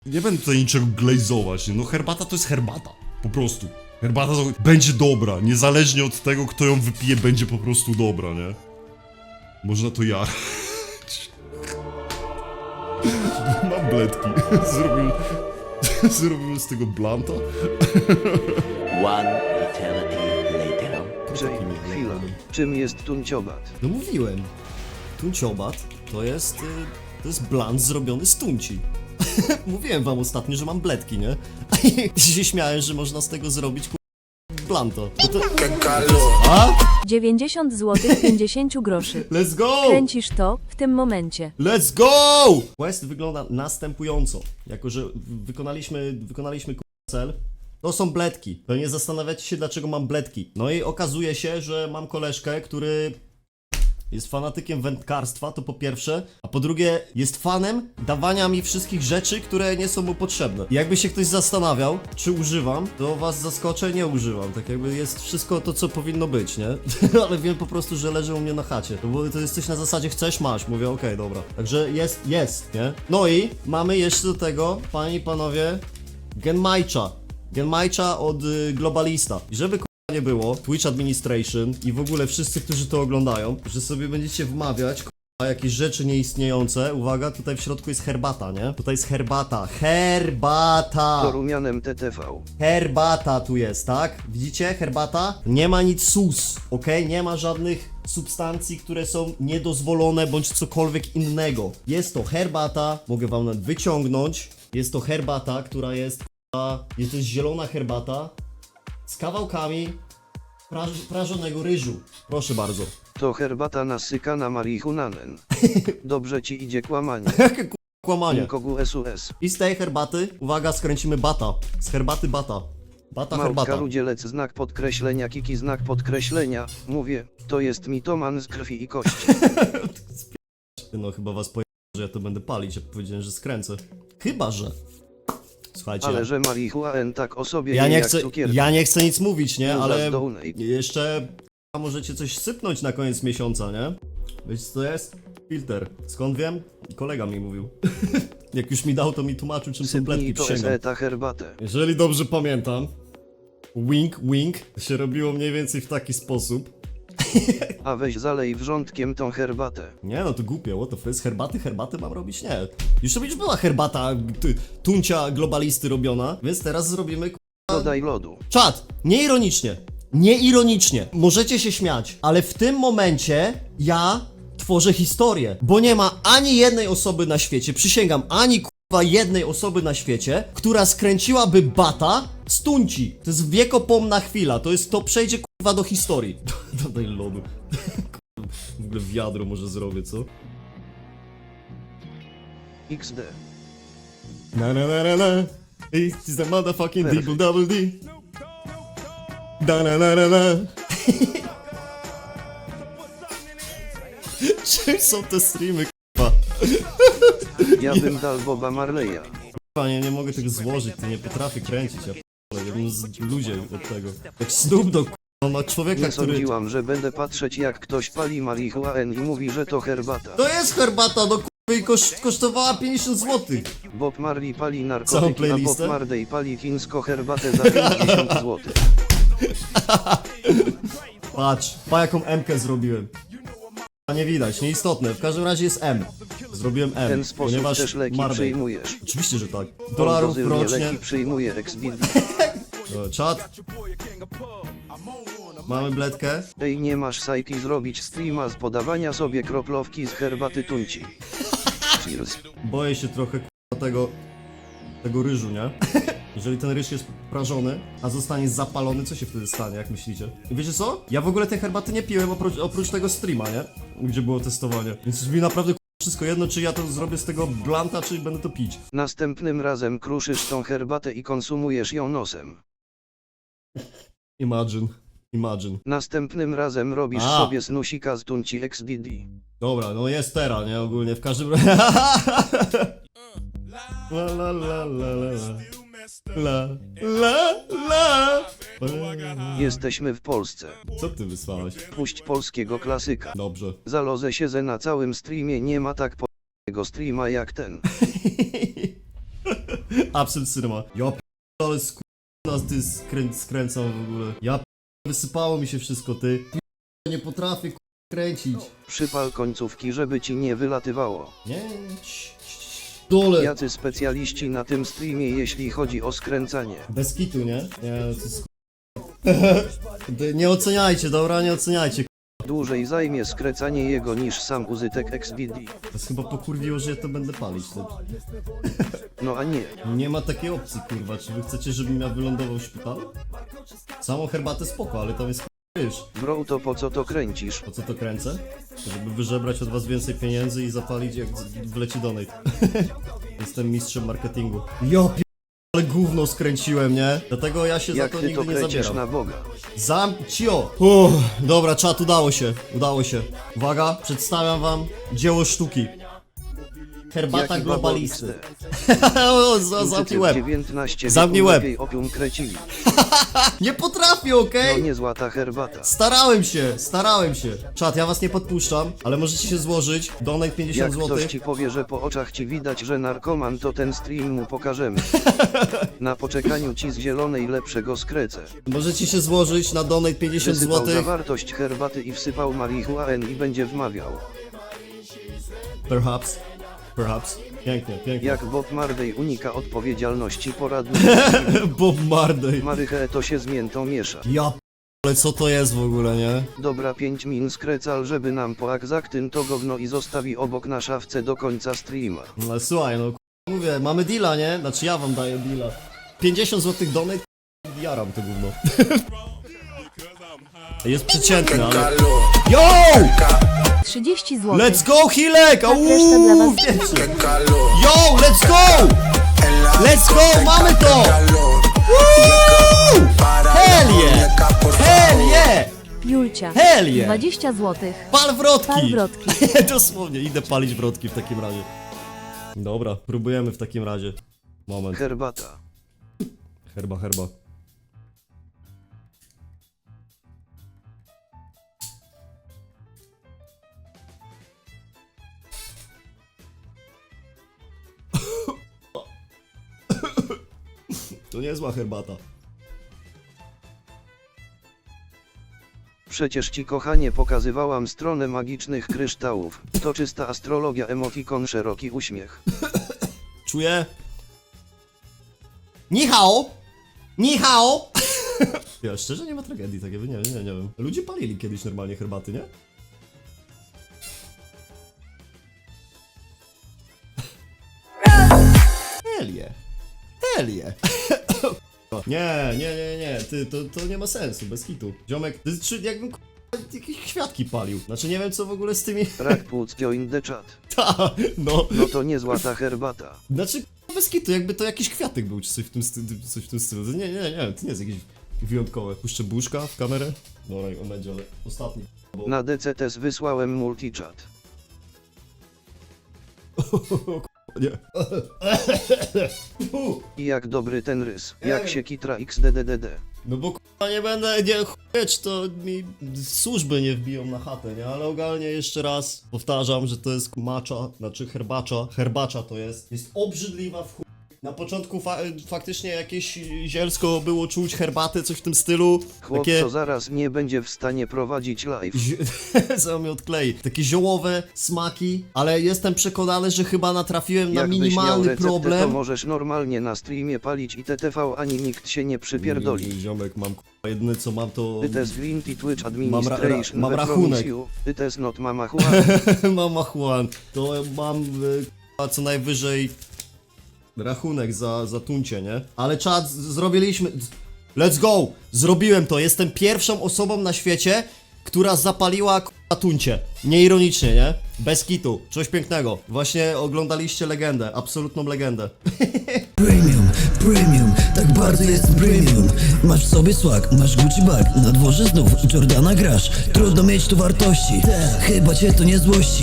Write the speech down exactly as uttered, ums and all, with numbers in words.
Nie będę tutaj niczego glazować, nie? No herbata to jest herbata. Po prostu. Herbata to będzie dobra, niezależnie od tego, kto ją wypije, będzie po prostu dobra, nie? Można to ja. Mam bledki. Zrobimy... Zrobimy z tego blanta. One eternity later. Jamie, chwila. Czym jest tunciobat? No mówiłem. Tunciobat to jest... y, To jest bland zrobiony z tunci. Mówiłem wam ostatnio, że mam bledki, nie? I się śmiałem, że można z tego zrobić ku... blanto. No to... A? dziewięćdziesiąt złotych pięćdziesiąt groszy. Let's go! Kręcisz to w tym momencie. Let's go! Quest wygląda następująco. Jako, że wykonaliśmy, wykonaliśmy ku... cel. To są bledki. Pewnie zastanawiacie się, dlaczego mam bledki. No i okazuje się, że mam koleżkę, który... jest fanatykiem wędkarstwa, to po pierwsze, a po drugie jest fanem dawania mi wszystkich rzeczy, które nie są mu potrzebne. I jakby się ktoś zastanawiał, czy używam, to was zaskoczę, nie używam. Tak jakby jest wszystko to, co powinno być, nie? Ale wiem po prostu, że leży u mnie na chacie. To, bo to jest coś na zasadzie chcesz, masz. Mówię, okej, okay, dobra. Także jest, jest, nie? No i mamy jeszcze do tego, panie i panowie, Genmaicha. Genmaicha od y, Globalista. I żeby nie było, Twitch Administration i w ogóle wszyscy, którzy to oglądają, że sobie będziecie wmawiać k***a, jakieś rzeczy nieistniejące. Uwaga, tutaj w środku jest herbata, nie? Tutaj jest herbata. Herbata! To rumianem T T V. Herbata tu jest, tak? Widzicie? Herbata? Nie ma nic sus, ok? Nie ma żadnych substancji, które są niedozwolone bądź cokolwiek innego. Jest to herbata, mogę wam nawet wyciągnąć. Jest to herbata, która jest k***a, jest to zielona herbata z kawałkami praż prażonego ryżu. Proszę bardzo. To herbata nasykana marihunanen. Dobrze ci idzie kłamanie. Jakie k***a kłamanie. Kogu S U S. I z tej herbaty, uwaga, skręcimy bata. Z herbaty bata. Bata Małpka herbata. rudzielec znak podkreślenia, kiki znak podkreślenia. Mówię, to jest mitoman z krwi i kości. No chyba was poje... że ja to będę palić, jak powiedziałem, że skręcę. Chyba, że... Słuchajcie, Ale że marihuana tak o sobie ja je nie jak chcę, cukierki. ja nie chcę nic mówić, nie? Uza Ale z donate. jeszcze k***a, możecie coś sypnąć na koniec miesiąca, nie? Wiecie co to jest? Filter. Skąd wiem? Kolega mi mówił. Jak już mi dał, to mi tłumaczył, czym są bledki, Sypnij to przysięgam. eseta herbatę. Jeżeli dobrze pamiętam, wink, wink, się robiło mniej więcej w taki sposób. A weź zalej wrzątkiem tą herbatę. Nie no, to głupie, what the fuck, z herbaty, herbaty mam robić? Nie. Już to już była herbata, ty, tuncia globalisty robiona, więc teraz zrobimy k***a... Dodaj lodu. Czad, nieironicznie, nieironicznie, możecie się śmiać, ale w tym momencie ja tworzę historię, bo nie ma ani jednej osoby na świecie, przysięgam, ani k***a jednej osoby na świecie, która skręciłaby bata z tunci. To jest wiekopomna chwila, to jest, to przejdzie k***a do historii. Dodaj lodu. W ogóle wiadro może zrobię, co? X D. Na na na na na. It's the motherfucking Perfect. double double D. Da na na na na. Czym są te streamy, k***a? Ja bym dał Boba Marleya. K***a, nie, nie mogę tego złożyć, to nie potrafię kręcić, ja p***le, ja bym z ludzie od tego. Jak Snoop Dogg, k***a, on ma człowieka, Nie który... sądziłam, że będę patrzeć jak ktoś pali marihuanę i mówi, że to herbata. To jest herbata, no k***a, i koszt, kosztowała pięćdziesiąt złotych. Bob Marley pali Całą narkotyki, a Bob playlistę? Marley pali chińsko herbatę za pięćdziesiąt złotych. Patrz, pa jaką M-kę zrobiłem. A nie widać, nieistotne, w każdym razie jest M. Zrobiłem M, W ten sposób ponieważ też leki Marley. przyjmujesz. Oczywiście, że tak. Dolarów Dolarów rocznie. leki przyjmuje X B D. O, czat. Mamy bledkę. Ej, nie masz sajki zrobić streama z podawania sobie kroplówki z herbaty tunci. Cheers. Boję się trochę k***a, tego, tego ryżu, nie? Jeżeli ten ryż jest prażony, a zostanie zapalony, co się wtedy stanie, jak myślicie? I wiecie co? Ja w ogóle tej herbaty nie piłem oprócz, oprócz tego streama, nie? Gdzie było testowanie. Więc mi naprawdę k***a, wszystko jedno, czy ja to zrobię z tego blanta, czy będę to pić. Następnym razem kruszysz tą herbatę i konsumujesz ją nosem. Imagine. Imagine. Następnym razem robisz A. sobie snusika z tunci X D D. Dobra, no jest teraz, nie? Ogólnie w każdym razie. La la la la la la la la la. Jesteśmy w Polsce. Co ty wysłałeś? Puść polskiego klasyka. Dobrze. Zalozę się, że na całym streamie nie ma tak po***ego streama jak ten. Absolut Cinema. Ja p***, ale sku... nas ty skrę... skręcam w ogóle. Ja p... wysypało mi się wszystko, ty. P... nie potrafię k... kręcić. Przypal końcówki, żeby ci nie wylatywało. Nie, nie, nie. Cii, cii, cii. Dole. Jacy specjaliści na tym streamie, jeśli chodzi o skręcanie. Bez kitu, nie? Nie, no to jest k- Nie oceniajcie, dobra? Nie oceniajcie. Dłużej zajmie skręcanie jego niż sam użytek X V D. To jest chyba pokurwiło, że ja to będę palić. To... No a nie. Nie ma takiej opcji, kurwa. Czy wy chcecie, żebym ja wylądował w szpitalu? Samą herbatę spoko, ale tam jest ryż. Bro, to po co to kręcisz? Po co to kręcę? Żeby wyżebrać od was więcej pieniędzy i zapalić jak z- wleci donate. Jestem mistrzem marketingu. Ja p... ale gówno skręciłem, nie? Dlatego ja się Jak za to ty nigdy to nie kręcisz zabieram. na Boga? Zamcio! Uff, dobra, czat, udało się, udało się. Uwaga, przedstawiam wam dzieło sztuki. Herbata Jaki globalisty. babo O, za- Zamknij łeb. dziewiętnaście Zamknij wieku łeb. lepiej opium krecili. Nie potrafię, No okej? nie złata herbata. Starałem się, starałem się. Czat, ja was nie podpuszczam, ale możecie się złożyć. Donate Jak pięćdziesiąt ktoś złotych. ci powie, że po oczach ci widać, że narkoman, to ten stream mu pokażemy. Na poczekaniu ci z zielonej lepszego skrecę. Możecie się złożyć na donate pięćdziesiąt Wysypał złotych. zawartość herbaty i wsypał marihuanę i będzie wmawiał. Perhaps. Perhaps. Pięknie, pięknie. Jak Bob Marley unika odpowiedzialności poradnej. Bob Marley. Marychę to się z miętą miesza. Ja p... ale co to jest w ogóle, nie? Dobra, pięć min skrecal, żeby nam poakzaktyn to gówno i zostawi obok na szafce do końca streama. No ale słuchaj, no k- mówię, mamy deala, nie? Znaczy ja wam daję deala. pięćdziesiąt złotych donate, k- jaram to gówno. Jest przeciętny, ale... Yo! trzydzieści złotych. Let's go, Hilek! Tak, reszta dla Auuu, was. wiecie. Yo, let's go! Let's go, mamy to! Woo! Hell yeah! Hell yeah! Julcia. Hell yeah! dwadzieścia złotych. Pal wrotki! Pal wrotki. Dosłownie, idę palić wrotki w takim razie. Dobra, próbujemy w takim razie. Moment. Herbata. Herba, herba. To niezła herbata. Przecież ci kochanie pokazywałam stronę magicznych kryształów. To czysta astrologia, emotikon, szeroki uśmiech. Czuję. Ni hao! Ni hao! Ja szczerze nie ma tragedii takiej, nie, nie, nie wiem. Ludzie palili kiedyś normalnie herbaty, nie? Helie. Helie. Nie, nie, nie, nie, ty, to, to nie ma sensu, bez hitu. Ziomek, ty, czy jakbym k***a, jakieś kwiatki palił. Znaczy nie wiem co w ogóle z tymi... Rak płuc, join the chat. Ta, no. No to nie złata herbata. Znaczy, k***a, bez kitu, jakby to jakiś kwiatek był, czy coś w tym, sty- coś w tym stylu. Nie, nie, nie, to nie jest jakieś wyjątkowe. Puszczę buszka w kamerę. Dobra, on będzie, ale ostatni. Bo... Na D C T S wysłałem multichat. Nie. I jak dobry ten rys. Jak się kitra X D D D D. No bo k***a nie będę, nie chujeć, to mi służby nie wbiją na chatę, nie? Ale ogalnie jeszcze raz powtarzam, że to jest macza, znaczy herbacza, herbacza to jest. Jest obrzydliwa w chuj. Na początku fa faktycznie jakieś zielsko było czuć herbatę, coś w tym stylu. Chłop Takie... co zaraz nie będzie w stanie prowadzić live. Co mnie odklei. Takie ziołowe smaki, ale jestem przekonany, że chyba natrafiłem na Jakbyś miał minimalny receptę, to problem. możesz normalnie na streamie palić i T T V, ani nikt się nie przypierdoli. Mm, Ziomek, mam k***a, jedyne co mam to... It is Glinty Twitch Mam ra- Administration. ra- mam we rachunek. promise you. It is not mama Juan. Mama Juan, to mam y, k***a, co najwyżej rachunek za, za tuncie, nie? Ale czad, z- zrobiliśmy... Let's go! Zrobiłem to, jestem pierwszą osobą na świecie, która zapaliła k***a tuncie. Nieironicznie, nie? Bez kitu, coś pięknego. Właśnie oglądaliście legendę, absolutną legendę. Premium, premium, tak bardzo jest premium. Masz w sobie swag, masz Gucci bag, na dworze znów Jordana grasz. Trudno mieć tu wartości, chyba cię to nie złości.